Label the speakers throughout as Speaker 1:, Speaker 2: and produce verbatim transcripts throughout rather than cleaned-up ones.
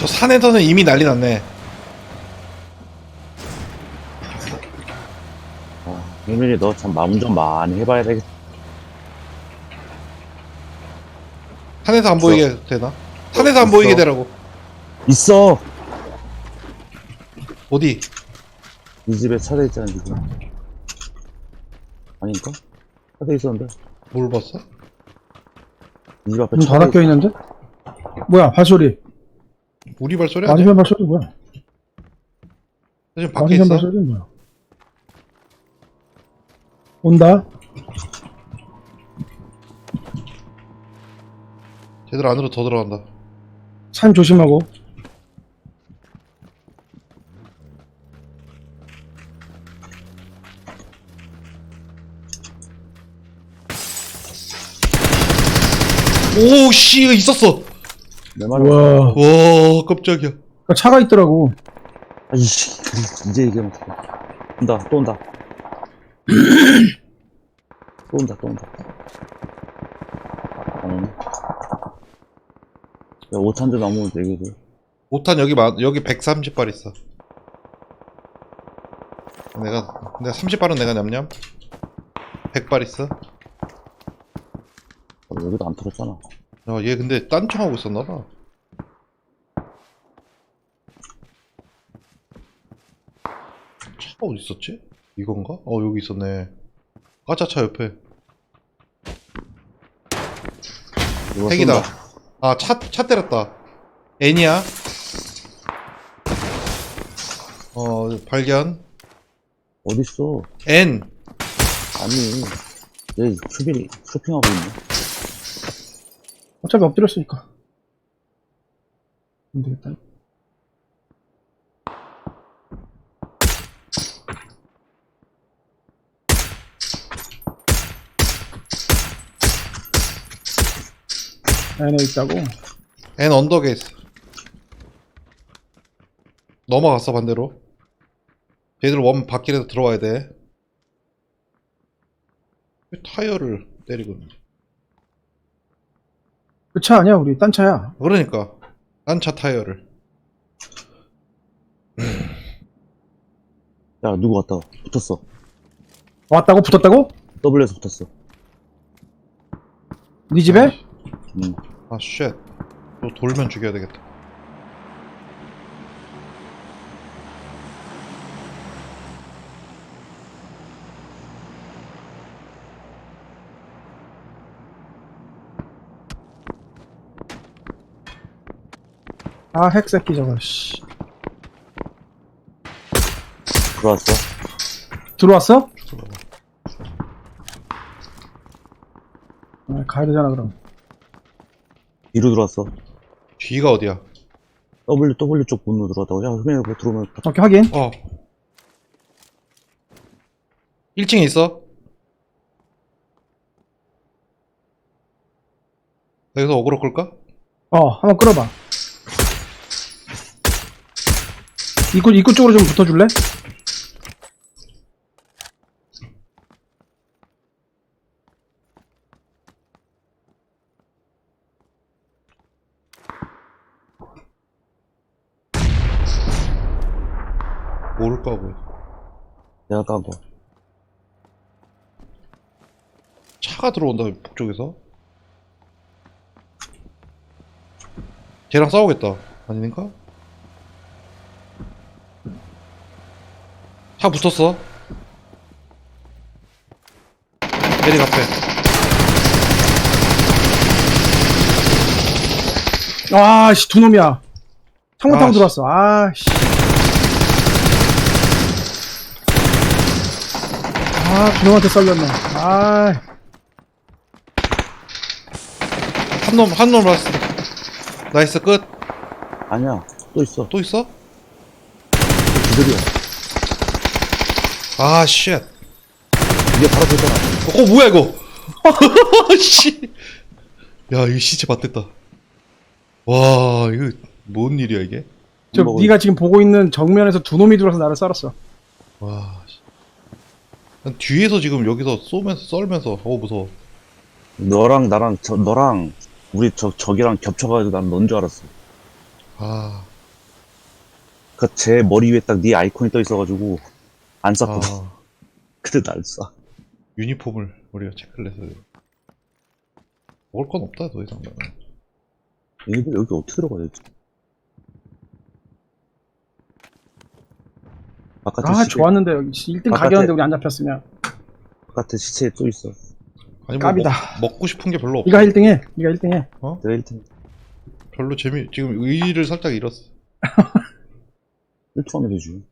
Speaker 1: 저 산에서는 이미 난리 났네.
Speaker 2: 아, 효민이 너 참 마음 좀 많이 해봐야 되겠다.
Speaker 1: 산에서 안
Speaker 2: 있어.
Speaker 1: 보이게 되나? 산에서 안
Speaker 2: 있어.
Speaker 1: 보이게 되라고.
Speaker 2: 있어!
Speaker 1: 어디?
Speaker 2: 이 집에 차대 있잖아, 지금. 아닌가? 차대 있었는데.
Speaker 1: 뭘 봤어?
Speaker 2: 이 집 앞에
Speaker 3: 문
Speaker 2: 차대
Speaker 3: 닫아 껴있는데? 뭐야, 발소리.
Speaker 1: 우리 발소리 아니야?
Speaker 3: 맞은편 발소리 뭐야?
Speaker 1: 지금 밖에
Speaker 3: 맞은편
Speaker 1: 있어?
Speaker 3: 발소리 뭐야? 온다?
Speaker 1: 쟤들 안으로 더 들어간다.
Speaker 3: 산 조심하고.
Speaker 1: 오씨 있었어.
Speaker 2: 내 말은.
Speaker 3: 우와.
Speaker 1: 와 깜짝이야.
Speaker 3: 그 차가 있더라고.
Speaker 2: 아이씨, 이제 얘기하면 어떡해. 온다, 또 온다. 또 온다, 또 온다. 안 오네. 야, 오탄도 넘으면 되거든.
Speaker 1: 오탄 여기 마, 여기 백삼십 발 있어. 내가 내가 삼십 발은 내가 냠냠. 백 발 있어.
Speaker 2: 어, 여기도 안 털었잖아.
Speaker 1: 야, 얘 근데 딴청하고 있었나봐. 차가 어디 있었지? 이건가? 어 여기 있었네. 까짜차 옆에.
Speaker 2: 이거
Speaker 1: 핵이다.
Speaker 2: 쏜다.
Speaker 1: 아 차 차 때렸다. N이야. 어 발견.
Speaker 2: 어딨어?
Speaker 1: N.
Speaker 2: 아니, 얘 쇼핑, 쇼핑하고 있네.
Speaker 3: 어차피 엎드렸으니까. 안 되겠다. 안에 있다고?
Speaker 1: N 언덕에 있어. 넘어갔어 반대로. 얘들 원 바퀴에서 들어와야 돼. 왜 타이어를 때리고 있는지.
Speaker 3: 그 차 아니야, 우리 딴 차야.
Speaker 1: 그러니까 딴 차 타이어를.
Speaker 2: 야, 누구 왔다. 붙었어.
Speaker 3: 왔다고? 붙었다고?
Speaker 2: W에서 붙었어.
Speaker 3: 네 집에?
Speaker 2: 음.
Speaker 1: 아 쉣. 또 돌면 죽여야 되겠다.
Speaker 3: 아, 핵새끼 저거, 씨.
Speaker 2: 들어왔어.
Speaker 3: 들어왔어? 아, 가야 되잖아, 그럼.
Speaker 2: 뒤로 들어왔어.
Speaker 1: 뒤가 어디야?
Speaker 2: W, W 쪽 문으로 들어왔다고. 야, 효민이 뭐 들어오면 다
Speaker 3: 오케이, 확인.
Speaker 1: 어. 일 층에 있어. 여기서 어그로 끌까?
Speaker 3: 어, 한번 끌어봐. 입구, 입구 쪽으로 좀 붙어줄래?
Speaker 1: 뭘 까고.
Speaker 2: 내가 깐 거.
Speaker 1: 차가 들어온다 북쪽에서. 걔랑 싸우겠다. 아닌가? 차 붙었어. 내리 앞에.
Speaker 3: 아, 씨, 두 놈이야. 창문 타고
Speaker 1: 아, 씨.
Speaker 3: 들어왔어. 아, 씨. 아, 두 놈한테 썰렸네. 아,
Speaker 1: 한 놈, 한 놈 봤어. 나이스, 끝.
Speaker 2: 아니야. 또 있어.
Speaker 1: 또 있어?
Speaker 2: 기절이야.
Speaker 1: 아, 쉣.
Speaker 2: 이게 바로 됐잖아.
Speaker 1: 어, 뭐야, 이거? 씨. 야, 이 시체 맞댔다. 와, 이거, 뭔 일이야, 이게?
Speaker 3: 저
Speaker 2: 먹을-
Speaker 3: 네가 지금 보고 있는 정면에서 두 놈이 들어와서 나를 썰었어.
Speaker 1: 와, 씨. 난 뒤에서 지금 여기서 쏘면서, 썰면서, 어, 무서워.
Speaker 2: 너랑 나랑 저, 너랑 우리 저, 적이랑 겹쳐가지고 난 넌 줄 알았어.
Speaker 1: 아.
Speaker 2: 그니까 제 머리 위에 딱 네 아이콘이 떠 있어가지고 안 쐈거든.
Speaker 1: 아,
Speaker 2: 근데 날 쏴.
Speaker 1: 유니폼을 우리가 체크를 해서 먹을 건 없다 더 이상. 나는.
Speaker 2: 얘들 여기 어떻게 들어가야 되지? 바깥에
Speaker 3: 아
Speaker 2: 시체,
Speaker 3: 좋았는데 여기 일 등
Speaker 2: 바깥에-
Speaker 3: 가게였는데 우리 안 잡혔으면.
Speaker 2: 바깥에 시체에 또 있어.
Speaker 1: 아니 뭐
Speaker 3: 깝이다.
Speaker 1: 먹, 먹고 싶은 게 별로 없어.
Speaker 3: 네가 일 등 해. 네가 일 등 해.
Speaker 2: 내가 일 팀
Speaker 1: 별로 재미 지금 의의를 살짝 잃었어.
Speaker 2: 일 투 하면 되지.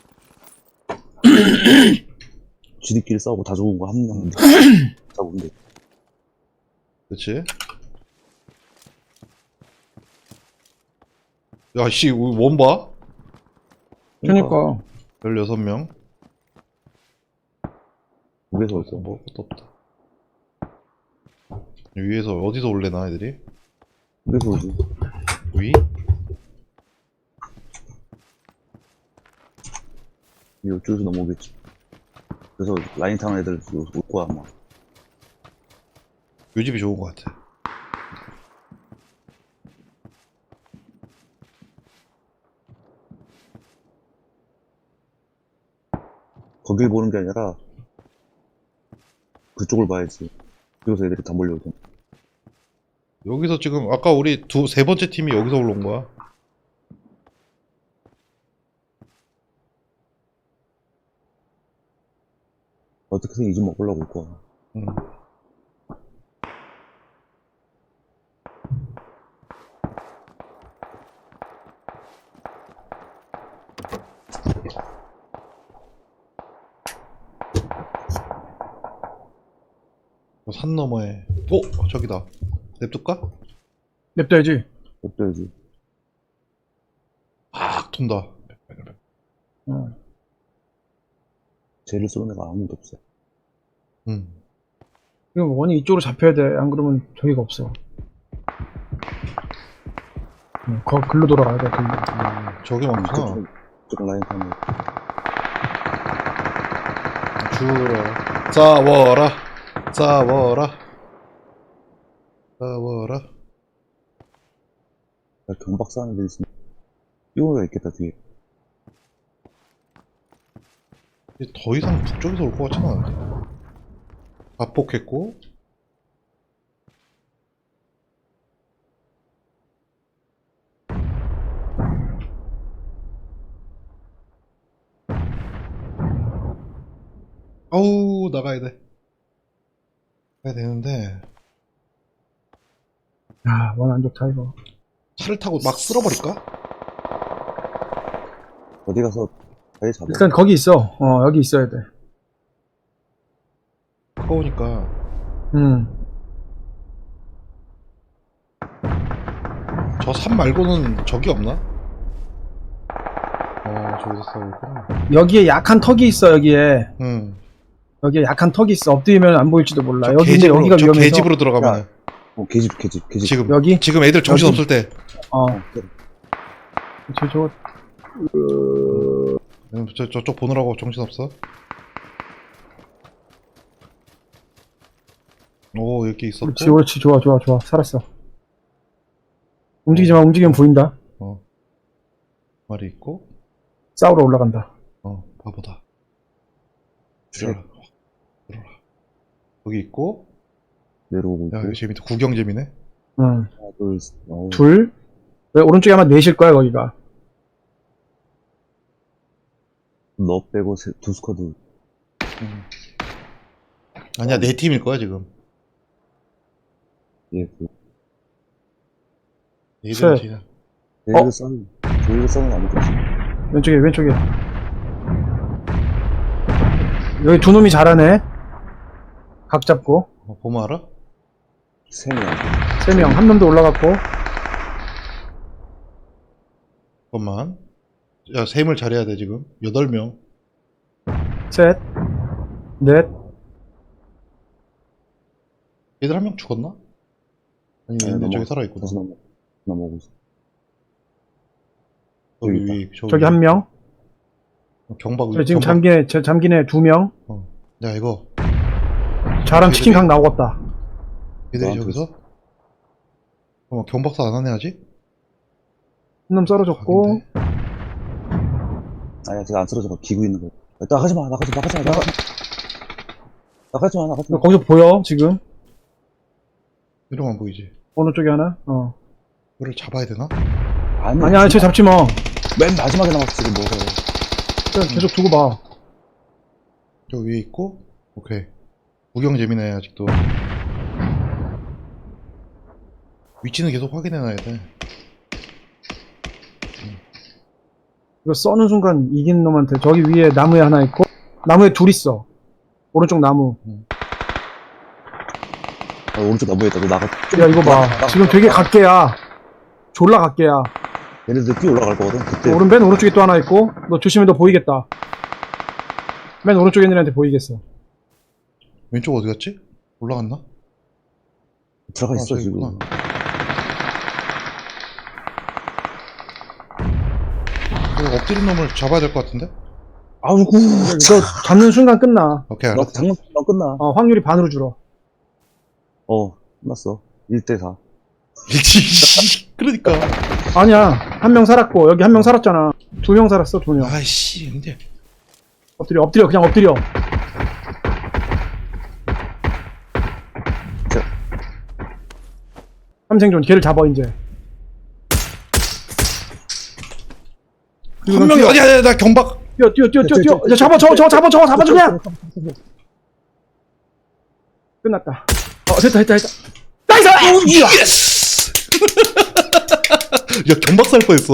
Speaker 2: 지들끼리 싸우고 다 죽은 거 한 명 잡으면 돼.
Speaker 1: 그렇지? 야씨 원 봐?
Speaker 3: 그러니까
Speaker 1: 열여섯 명.
Speaker 2: 위에서 올 거.
Speaker 1: 먹을 것도 없다. 위에서 어디서 올래나 애들이?
Speaker 2: 위에서 오지.
Speaker 1: 위?
Speaker 2: 이쪽에서 넘어오겠지. 그래서 라인 타는 애들 올 거야 아마.
Speaker 1: 요 집이 좋은 것 같아.
Speaker 2: 거길 보는 게 아니라 그쪽을 봐야지. 여기서 애들이 다 몰려오잖아.
Speaker 1: 여기서 지금 아까 우리 두 세 번째 팀이 여기서 올라온 거야.
Speaker 2: 어떻게든 이 집 먹으려고 올 거야.
Speaker 1: 응. 산 너머에 어? 저기다. 냅둘까?
Speaker 3: 냅둬야지.
Speaker 2: 어때야지.
Speaker 1: 막 돈다.
Speaker 3: 어.
Speaker 2: 쟤를 쏘는 애가 아무도 없어.
Speaker 1: 응.
Speaker 3: 이거 원이 이쪽으로 잡혀야 돼. 안 그러면 저기가 없어. 응, 거 글로 돌아가야 돼. 글로.
Speaker 1: 음, 저기 많구나.
Speaker 2: 쪽, 쪽 라인 타는 애.
Speaker 1: 죽어라. 싸워라. 싸워라. 싸워라.
Speaker 2: 야, 경박 싸는 애들 있으면 이거가 있겠다 뒤에.
Speaker 1: 더 이상 북쪽에서 올 것 같지는 않은데. 압폭했고. 아우 나가야 돼. 가야 되는데
Speaker 3: 야, 원 안 좋다 이거.
Speaker 1: 차를 타고 막 쓸어버릴까?
Speaker 2: 어디 가서 자리 잡아.
Speaker 3: 일단 거기 있어. 어, 여기 있어야 돼.
Speaker 1: 가까우니까.
Speaker 3: 음.
Speaker 1: 저 산 말고는 적이 없나? 어 저기서 싸우구나.
Speaker 3: 여기에 약한 턱이 있어. 여기에.
Speaker 1: 응.
Speaker 3: 여기에 약한 턱이 있어. 엎드리면 안 보일지도 몰라.
Speaker 1: 저
Speaker 3: 여기 근데
Speaker 1: 개집으로,
Speaker 3: 여기가
Speaker 1: 저
Speaker 3: 위험해서.
Speaker 1: 개집으로 들어가면
Speaker 2: 어, 개집, 개집, 개집.
Speaker 1: 지금
Speaker 3: 여기?
Speaker 1: 지금 애들 정신
Speaker 3: 여기?
Speaker 1: 없을 때.
Speaker 3: 어.
Speaker 2: 어, 그래.
Speaker 3: 저, 저,
Speaker 1: 응, 저 저쪽 보느라고 정신 없어. 오 여기 있었고.
Speaker 3: 그렇지, 그렇지. 좋아, 좋아, 좋아. 살았어. 움직이지 마. 움직이면 보인다.
Speaker 1: 어. 말이 있고.
Speaker 3: 싸우러 올라간다.
Speaker 1: 어 바보다. 들어라. 들어라. 여기 있고.
Speaker 2: 내려오고 있고.
Speaker 1: 야 여기 재밌다. 구경 재미네.
Speaker 3: 응.
Speaker 2: 하나, 둘, 셋. 어우,
Speaker 3: 둘. 왜 오른쪽에 아마 넷일 거야, 거기가.
Speaker 2: 너 빼고 세, 두 스쿼드.
Speaker 1: 음. 아니야 내 팀일 거야 지금.
Speaker 2: 예, 그.
Speaker 1: 얘들은
Speaker 3: 셋.
Speaker 1: 그냥
Speaker 2: 저희가 싸는, 저희가 싸는 거 아니겠지.
Speaker 3: 왼쪽에, 왼쪽에. 여기 두 놈이 잘하네. 각 잡고.
Speaker 1: 어, 보면 알아?
Speaker 2: 세 명.
Speaker 3: 세 명. 한 놈도 올라갔고.
Speaker 1: 잠깐만. 야 셈을 잘해야 돼 지금. 여덟 명.
Speaker 3: 셋. 넷.
Speaker 1: 얘들 한 명 죽었나? 아니
Speaker 2: 네,
Speaker 1: 얘네 저기
Speaker 2: 넘어갔어.
Speaker 1: 살아있구나.
Speaker 2: 다시 넘어, 넘어오고 있어.
Speaker 1: 여기
Speaker 2: 여기
Speaker 1: 위 저기,
Speaker 3: 저기 한 명.
Speaker 1: 경박
Speaker 3: 저 지금
Speaker 1: 경박-
Speaker 3: 잠긴 애, 저 잠긴 애 두 명.
Speaker 1: 어. 야 이거
Speaker 3: 잘한 치킨 각 나오겠다.
Speaker 1: 얘들이
Speaker 2: 나한테
Speaker 1: 저기서 어, 경박사 안 하네 아직?
Speaker 3: 한 놈 썰어줬고.
Speaker 1: 각인데?
Speaker 2: 아니야, 제가 안 쓰러져. 기고 있는 거야. 나가지 마, 나가지 마, 나가지 마, 나가지 마. 나가지 마, 나가지 마.
Speaker 3: 거기서 보여, 지금?
Speaker 1: 이러면 안 보이지.
Speaker 3: 어느 쪽에 하나? 어.
Speaker 1: 이거를 잡아야 되나?
Speaker 2: 아니,
Speaker 3: 아니, 아니, 저 잡지 마.
Speaker 2: 맨 마지막에 남았어, 지금 뭐가.
Speaker 3: 일단 계속 두고 봐.
Speaker 1: 저 위에 있고, 오케이. 구경 재미네, 아직도. 위치는 계속 확인해놔야 돼.
Speaker 3: 이거 써는 순간 이기는 놈한테 저기 위에 나무에 하나 있고, 나무에 둘 있어. 오른쪽 나무.
Speaker 2: 아, 오른쪽 나무에 있다. 너 나가.
Speaker 3: 야, 이거 봐.
Speaker 2: 나가.
Speaker 3: 지금 되게 각계야. 졸라 각계야.
Speaker 2: 얘네들 뛰어 올라갈 거거든. 그때.
Speaker 3: 오른 맨 오른쪽에 또 하나 있고, 너 조심해, 너 보이겠다. 맨 오른쪽에 있는 애한테 보이겠어.
Speaker 1: 왼쪽 어디 갔지? 올라갔나?
Speaker 2: 들어가
Speaker 1: 아,
Speaker 2: 있어,
Speaker 1: 저기
Speaker 2: 지금.
Speaker 1: 있구나. 이거 엎드린 놈을 잡아야 될 것 같은데?
Speaker 2: 아우, 구.
Speaker 3: 너 잡는 순간 끝나.
Speaker 1: 오케이,
Speaker 2: 너
Speaker 1: 알았어.
Speaker 2: 장난 너 끝나.
Speaker 3: 어, 확률이 반으로 줄어.
Speaker 2: 어, 끝났어. 일 대 사.
Speaker 1: 그러니까.
Speaker 3: 아니야. 한 명 살았고, 여기 한 명 살았잖아. 두 명 살았어, 두 명.
Speaker 1: 아이씨, 근데.
Speaker 3: 엎드려, 엎드려, 그냥 엎드려.
Speaker 2: 자.
Speaker 3: 삼생존, 걔를 잡아, 이제.
Speaker 1: 한 명이, 아니, 아니, 나 경박.
Speaker 3: 뛰어, 뛰어, 뛰어, 뛰어, 뛰어. 야, 잡아, 저거, 저거 잡아, 저거 잡아, 그냥! 끝났다. 어, 됐다, 됐다, 됐다. 나이스!
Speaker 1: 예스! 야, 경박 살 뻔했어.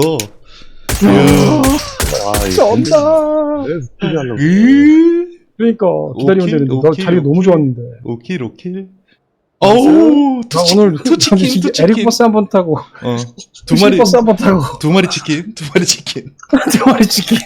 Speaker 2: 아,
Speaker 3: 진짜 없다.
Speaker 2: 왜 스피드 하려고.
Speaker 1: 으
Speaker 3: 그러니까, 기다리면
Speaker 1: 오킬,
Speaker 3: 되는데. 너
Speaker 1: 오킬,
Speaker 3: 자리가 너무
Speaker 1: 오킬.
Speaker 3: 좋았는데.
Speaker 1: 오킬, 오킬. 어우,
Speaker 3: 나
Speaker 1: 투치,
Speaker 3: 오늘
Speaker 1: 투치킨,
Speaker 3: 이게
Speaker 1: 투치킨.
Speaker 3: 에릭 버스 한 번 타고,
Speaker 1: 어, 두 마리,
Speaker 3: 버스 한 번 타고,
Speaker 1: 두 마리 치킨, 두 마리 치킨.
Speaker 3: 두 마리 치킨.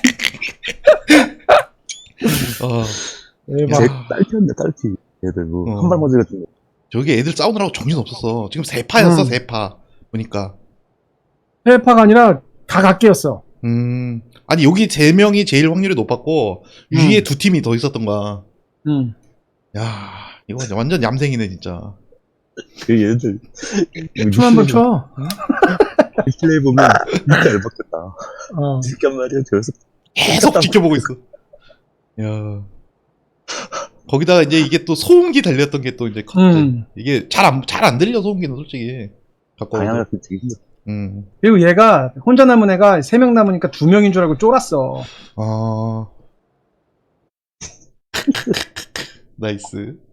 Speaker 1: 어,
Speaker 2: 제
Speaker 3: 대박.
Speaker 2: 딸피였네, 딸피. 얘들 뭐,
Speaker 1: 어.
Speaker 2: 한 발 맞으니까 좀.
Speaker 1: 저기 애들 싸우느라고 정신 없었어. 지금 세 파였어,
Speaker 3: 음.
Speaker 1: 세 파. 보니까.
Speaker 3: 해파가 아니라 다 각계였어.
Speaker 1: 음, 아니, 여기 세 명이 제일 확률이 높았고,
Speaker 3: 음.
Speaker 1: 위에 두 팀이 더 있었던 거야.
Speaker 3: 응.
Speaker 1: 야, 이거 완전 얌생이네, 진짜.
Speaker 2: 그 얘들.
Speaker 3: 춤 한 번 춰.
Speaker 2: 플레이 보면 진짜 열받겠다.
Speaker 3: 어.
Speaker 2: 진짜 말이야, 저기서.
Speaker 1: 계속 지켜보고 있어. 야. 거기다가 이제 이게 또 소음기 달렸던 게 또 이제 컸지.
Speaker 3: 음.
Speaker 1: 이게 잘 안, 잘 안 들려, 소음기는 솔직히. 갖고
Speaker 2: 방향을
Speaker 1: 와도.
Speaker 2: 되게 힘들어.
Speaker 1: 음.
Speaker 3: 그리고 얘가 혼자 남은 애가 세 명 남으니까 두 명인 줄 알고 쫄았어.
Speaker 1: 아. 나이스.